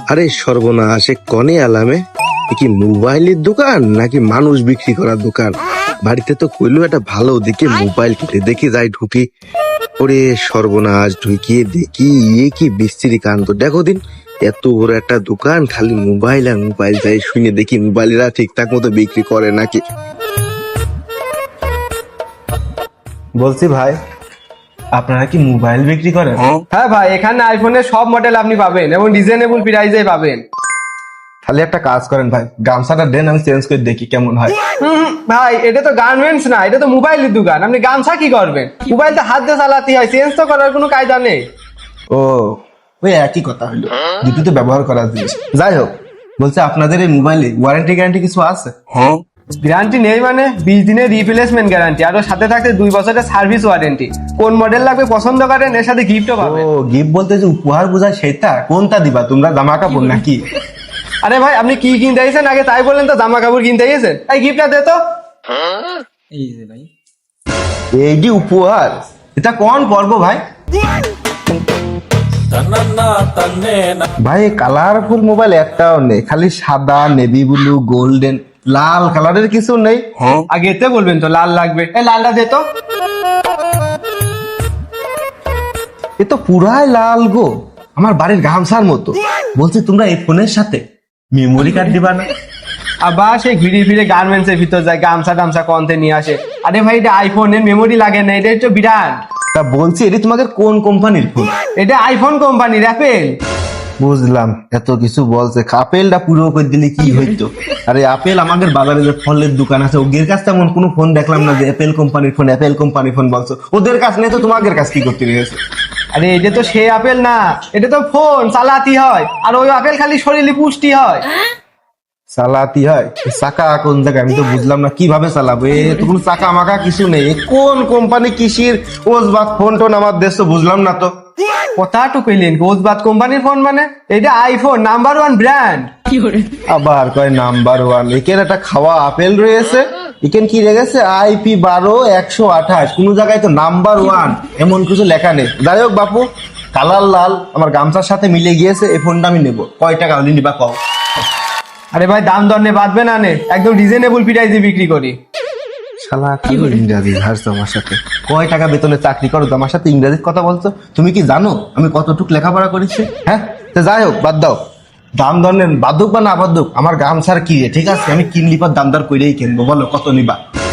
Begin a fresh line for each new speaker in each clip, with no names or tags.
আরে সর্বনাশ, এ কনে আলামে? এ কি মোবাইলের দোকান নাকি মানুষ বিক্রি করার দোকান? বাড়িতে তো কইলো একটা ভালো দিকে মোবাইল কিনতে, দেখি যাই ঢুকি। ওরে সর্বনাশ, ঢুকিয়ে দেখি কি বিস্তৃতি কাণ্ড। দেখো দিন, এত বড় একটা দোকান, খালি মোবাইল আর মোবাইল। যাই শুনে দেখি মোবাইলেরা ঠিকঠাক মতো বিক্রি করে নাকি। বলছি ভাই, আপনারা কি মোবাইল বিক্রি করেন?
হ্যাঁ ভাই, এখানে আইফোনের সব মডেল আপনি পাবেন এবং রিজনেবল প্রাইসে পাবেন।
তাহলে একটা কাজ করেন ভাই, গামছাটা দেন, আমি চেঞ্জ করে দেখি কেমন হয়।
ভাই, এটা তো গার্মেন্টস না, এটা তো মোবাইলের দোকান। আপনি গামছা কি করবেন? মোবাইল তো হাত দিয়ে চালাতে হয়, চেঞ্জ তো করার কোনো কায়দা নেই।
ও, ওই একই কথা হলো, দুটো তো ব্যবহার করার জিনিস। যাই হোক, বলছে আপনাদের এই মোবাইলে ওয়ারেন্টি গ্যারান্টি কিছু আছে?
গ্যারান্টি নেই মানে 20 দিনের রিপ্লেসমেন্ট গ্যারান্টি, আর ওর সাথে থাকতে 2 বছরের সার্ভিস ওয়ারেন্টি। কোন মডেল লাগবে পছন্দ করেন, এর সাথে গিফটও
ও,
পাবেন।
গিফট বলতে যে উপহার বোঝায় সেটা? কোনটা দিবা তোমরা, জামা কাপড় নাকি?
আরে ভাই, আপনি কি কিনতে এসেছেন আগে তাই বলেন তো। জামা কাপড় কিনতে এসেছেন, এই গিফটটা দে তো।
এই যে উপহার, এটা কোন পর্ব ভাই? ভাই, কালারফুল মোবাইল একটাও নেই, খালি সাদা, নেভি ব্লু, গোল্ডেন, লাল কালারের কিছু নেই।
আগে এতে বলবেন তো লাল লাগবে, এই লালটা দে তো।
এ তো পুরাই লাল গো, আমার বাড়ির গামছার মতো। বলছি তোমরা এই ফোনের সাথে মেমোরি কার্ড দিবা না?
আবার সেই ঘুরে ফিরে গার্মেন্টস এর ভিতর যায়, গামছা টামছা কনতে নিয়ে আসে। আরে ভাই, এটা আইফোনের মেমোরি লাগে না, এটা হচ্ছে বিরাট।
তা বলছি, এটি তোমাদের কোন কোম্পানির ফোন?
এটা আইফোন কোম্পানির, অ্যাপেল।
বুঝলাম, এত কিছু বলছে, আপেলটা পুরো করে দিলে কি হইতো? আরে আপেল আমাদের বাজারে যে ফলের দোকান আছে, ওদের কাছে তেমন কোনো ফোন দেখলাম না যে অ্যাপেল কোম্পানির ফোন, অ্যাপেল কোম্পানির ফোন বলছো। ওদের কাছ নেই তো তোমাদের কাছ কি করতে গেছে?
আরে এটা তো সেই আপেল না, এটা তো ফোন চালাতি হয়, আর ওই আপেল খালি শরীরে পুষ্টি হয়।
চালাতি হয়? চাকা কোন জায়গায় আমি তো বুঝলাম না, কিভাবে চালাবো? এ তো কোনো চাকা মাকা কিছু নেই। এ কোন কোম্পানি কিসির ওজবাদ ফোন টোন আমার দেশ তো বুঝলাম না তো।
কথাটু কইলেন গোজবাদ কোম্পানির ফোন মানে? এটা আইফোন নাম্বার 1 ব্র্যান্ড।
আবার কয় নাম্বার 1? এখানে একটা খাওয়া আপেল রয়েছে, এখানে কি রেখেছে IP12 128, কোন জায়গায় তো নাম্বার 1 এমন কিছু লেখা নেই। যাই হোক বাপু, কালার লাল, আমার গামছার সাথে মিলে গিয়েছে, এই ফোনটা আমি নেবো। কয় টাকা হলে নিবা কও?
আরে ভাই, দাম দর নে বাঁধবে না নে, একদম রিজনেবল প্রাইসে বিক্রি করি।
শালা কি ইংরাজি হাসছো আমার সাথে? কয় টাকা বেতনে চাকরি করো, আমার সাথে ইংরেজির কথা বলছো? তুমি কি জানো আমি কতটুক লেখাপড়া করেছি? হ্যাঁ, তো যাই হোক, বাদ দাও। দাম দর নেন, বাদুক বা না বাদুক, আমার গামছার কি রে, ঠিক আছে? আমি কিনলি পর দাম দর করেই কিনবো। বলো কত নিবা?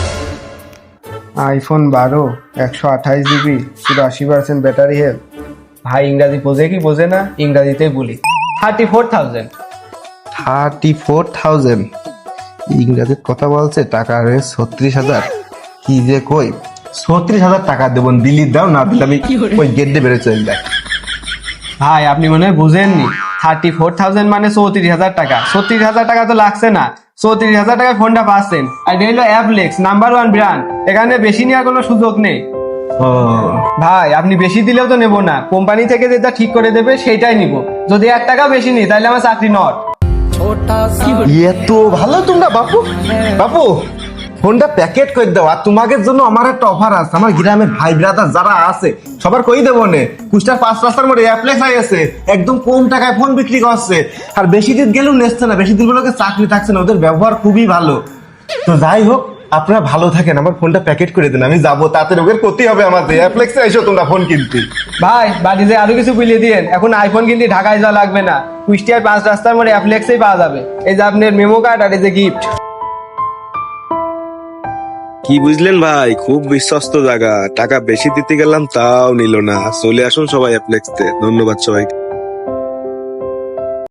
IPhone 12 128 GB, 80% battery health. ভাই, ইংরাজি বোঝে কি বোঝে না, ইংরাজিতেই বলি। 34,000।
34,000? ইংরাজির কথা বলছে, টাকা রে 36,000। কি যে কই, 36,000 টাকা দেবো, দিল্লি দাও, না দিলে আমি ওই গেট দিয়ে বেড়ে চলে যায়।
ভাই, আপনি মনে হয় বুঝেননি, 34,000 মানে 34,000 টাকা। 36,000 টাকা তো লাগছে না, 34,000 টাকায় ফোনটা পাচ্ছেন। আর এটা হলো অ্যাপলেক্স নাম্বার 1 ব্র্যান্ড, এখানে বেশি নেওয়ার কোনো সুযোগ নেই।
ও
ভাই, আপনি বেশি দিলেও তো নেবো না, কোম্পানি থেকে যেটা ঠিক করে দেবে সেইটাই নিব। যদি 1 টাকা বেশি নিই তাহলে আমার চাকরি নট।
এত ভালো তোমরা বাপু। বাপু, ফোনটা প্যাকেট করে দাও। আর তোমাদের জন্য আমার একটা অফার আছে, আমার গ্রামের ভাই ব্রাদার যারা আছে সবার কই দেবো নে। কুষ্টার 5 রাস্তার মোড়ে অ্যাপ্লেক্স আছে, একদম কম টাকায় ফোন বিক্রি করছে। আর বেশি দিন গেলেও নেচ্ছে না, বেশি দিন গুলোকে চাকরি থাকছে না, ওদের ব্যবহার খুবই ভালো। তো যাই হোক, আপনারা ভালো থাকেন, আমার ফোনটা প্যাকেট করে দেন, আমি যাবো, তাতে রোগের ক্ষতি হবে আমাদের। অ্যাপ্লেক্সে এসো তোমরা ফোন কিনতে।
ভাই, বাড়িতে আরো কিছু বুঝিয়ে দিয়েন, এখন আইফোন কিনতে ঢাকায় যাওয়া লাগবে না, কুষ্টিয়ার 5 রাস্তার মোড়ে অ্যাপলেক্সেই পাওয়া যাবে। এই যে আপনার মেমো কার্ড আর এই যে গিফট।
কি বুঝলেন ভাই, খুব বিশ্বস্ত জায়গা। টাকা বেশি দিতে গেলাম তাও নিল না। চলে আসুন সবাই অ্যাপ্লেক্সতে। ধন্যবাদ সবাইকে।